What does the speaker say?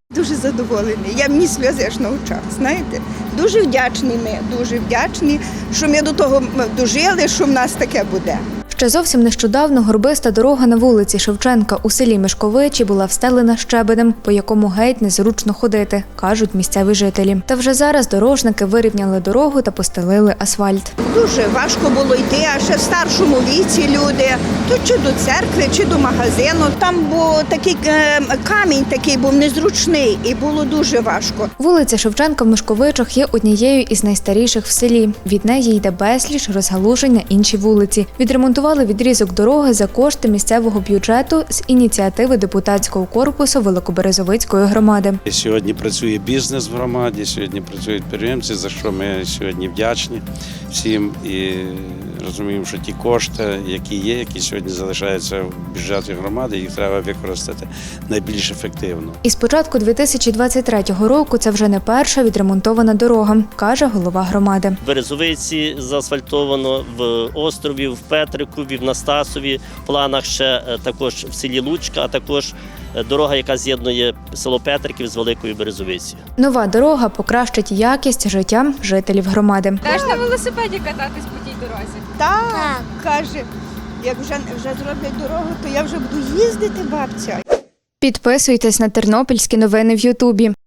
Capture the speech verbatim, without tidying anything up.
Дуже задоволені. Я мені сльози аж на очах, знаєте. Дуже вдячні ми, дуже вдячні, що ми до того дожили, що в нас таке буде. Ще зовсім нещодавно горбиста дорога на вулиці Шевченка у селі Мишковичі була встелена щебенем, по якому геть незручно ходити, кажуть місцеві жителі. Та вже зараз дорожники вирівняли дорогу та постелили асфальт. Дуже важко було йти, а ще в старшому віці люди, то чи до церкви, чи до магазину. Там був такий е, камінь такий був незручний і було дуже важко. Вулиця Шевченка в Мишковичах є однією із найстаріших в селі. Від неї йде безліч розгалужень на інші вулиці. Відремонтували відрізок дороги за кошти місцевого бюджету з ініціативи депутатського корпусу Великоберезовицької громади. Сьогодні працює бізнес в громаді, сьогодні працюють підприємці, за що ми сьогодні вдячні всім і розуміємо, що ті кошти, які є, які сьогодні залишаються в бюджеті громади, їх треба використати найбільш ефективно. І з початку дві тисячі двадцять третього року це вже не перша відремонтована дорога, каже голова громади. В Березовиці заасфальтовано, в Острові, в Петрикові, в Настасові, в планах ще також в селі Лучка, а також дорога, яка з'єднує село Петриків з Великою Березовицею. Нова дорога покращить якість життя жителів громади. Теж на велосипеді кататись по тій дорозі? Так, каже, як вже, вже зроблять дорогу, то я вже буду їздити, бабця. Підписуйтесь на тернопільські новини в Ютубі.